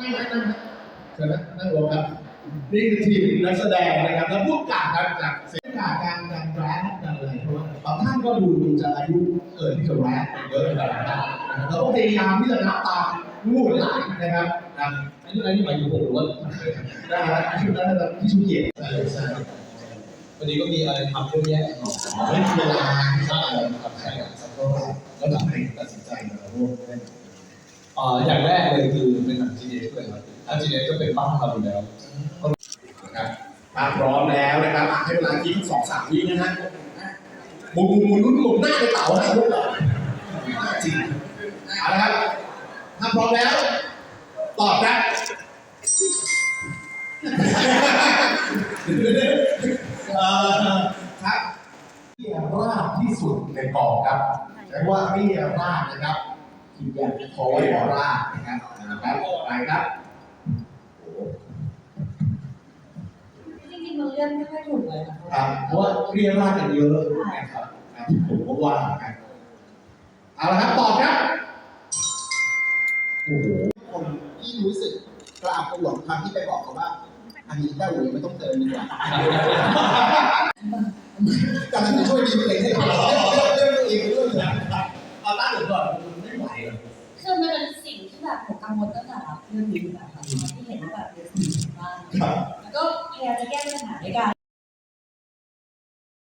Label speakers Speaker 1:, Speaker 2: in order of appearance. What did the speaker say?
Speaker 1: เชิญนั่งลงครับนี่คือทีมนักแสดงนะครับแล้วผู้กำกับครับจากเสียงการแรปการอะไรเพราะว่าบางท่านก็ดูจะอายุเกินที่จะแรปเยอะเลยนะครับเราก็พยายามที่จะนับตามลูกหลานนะครับอันนี้หมายถึงผมหรือว่านะครับที่นั่นนะครับที่ชูเกียรติใช่วันนี้ก็มีอะไรทำเยอะแยะไม่มีเวลาใช่ครับใช่ครับแล้วทำไมตัดสินใจมาร่วมเล่น
Speaker 2: อย่างแรกเลยคือเป็นหนัง GDS เลยครับถ้า GDS ก็เป็นบ้านเราอยู่แล้ว
Speaker 1: นะครับถ้าพร้อมแล้วนะครับให้เวลาคิด2-3 วินะฮะหมุนหมุนหน้าในเต๋าให้พวกเราจริงเอาละครับถ้าพร้อมแล้วตอบครับครับเรียราบที่สุดในกองครับใช้ว่าเรียราบนะครับคิดอย่างขอเรียราบนะครับไปครับ
Speaker 3: จริงๆมันเลื่อนไม่ค่อยถูกเลย
Speaker 1: ครับเพราะว่าเรียราบกันเยอะนะครับผมก็ว่ากันเอาละครับตอบครับ
Speaker 4: โอ้โหคนที่รู้สึกกล้าหลงคำที่ไปบอกเขาว่าอันนี้ได้หรือไม่ต้องเติมดีกว่าการที่จะช่วยดีเองให้เรื่องเองด้วย
Speaker 1: นะครับเอาตั้งก่อนไม่ไหวหรอก
Speaker 3: คือมันเป็นสิ่งที่แบบผมกังวลตั้งแต่รับเรื่องนี้อยู่แล้วค่ะที่เห็นว่าแบบเยอะมากแล้วก็พยายามจะแก้ปัญหาด้วยกัน